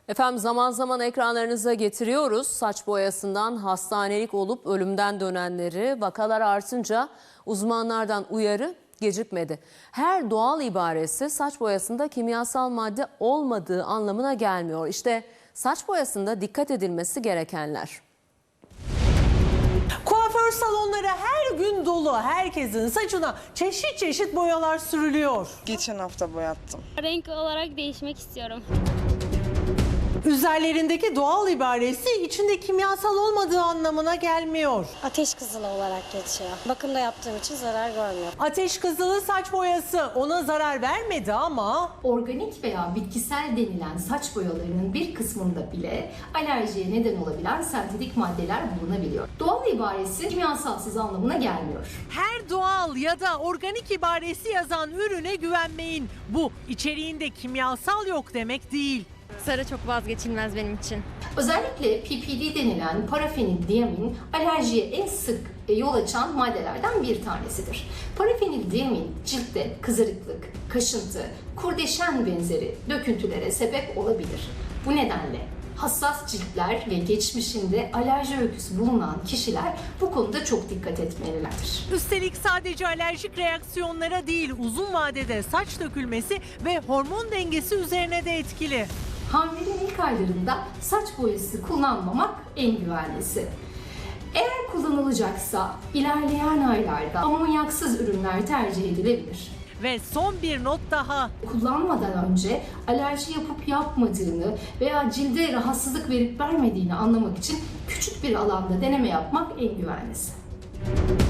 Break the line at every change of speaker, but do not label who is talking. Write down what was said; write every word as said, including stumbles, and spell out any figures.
Efendim zaman zaman ekranlarınıza getiriyoruz. Saç boyasından hastanelik olup ölümden dönenleri. Vakalar artınca uzmanlardan uyarı gecikmedi. Her doğal ibaresi saç boyasında kimyasal madde olmadığı anlamına gelmiyor. İşte saç boyasında dikkat edilmesi gerekenler.
Kuaför salonları her gün dolu. Herkesin saçına çeşit çeşit boyalar sürülüyor.
Geçen hafta boyattım.
Renk olarak değişmek istiyorum.
Üzerlerindeki doğal ibaresi içinde kimyasal olmadığı anlamına gelmiyor.
Ateş kızılı olarak geçiyor. Bakımda yaptığım için zarar görmüyor.
Ateş kızılı saç boyası ona zarar vermedi ama
Organik veya bitkisel denilen saç boyalarının bir kısmında bile alerjiye neden olabilen sentetik maddeler bulunabiliyor. Doğal ibaresi kimyasalsız anlamına gelmiyor.
her doğal ya da organik ibaresi yazan ürüne güvenmeyin. Bu içeriğinde kimyasal yok demek değil.
Sarı çok vazgeçilmez benim için.
Özellikle P P D denilen parafenildiamin alerjiye en sık yol açan maddelerden bir tanesidir. Parafenildiamin ciltte kızarıklık, kaşıntı, kurdeşen benzeri döküntülere sebep olabilir. Bu nedenle hassas ciltler ve geçmişinde alerji öyküsü bulunan kişiler bu konuda çok dikkat etmelilerdir.
Üstelik sadece alerjik reaksiyonlara değil, uzun vadede saç dökülmesi ve hormon dengesi üzerine de etkili.
Hamileliğin ilk aylarında saç boyası kullanmamak en güvenlisi. Eğer kullanılacaksa ilerleyen aylarda amonyaksız ürünler tercih edilebilir.
Ve son bir not daha.
Kullanmadan önce alerji yapıp yapmadığını veya cilde rahatsızlık verip vermediğini anlamak için küçük bir alanda deneme yapmak en güvenlisi.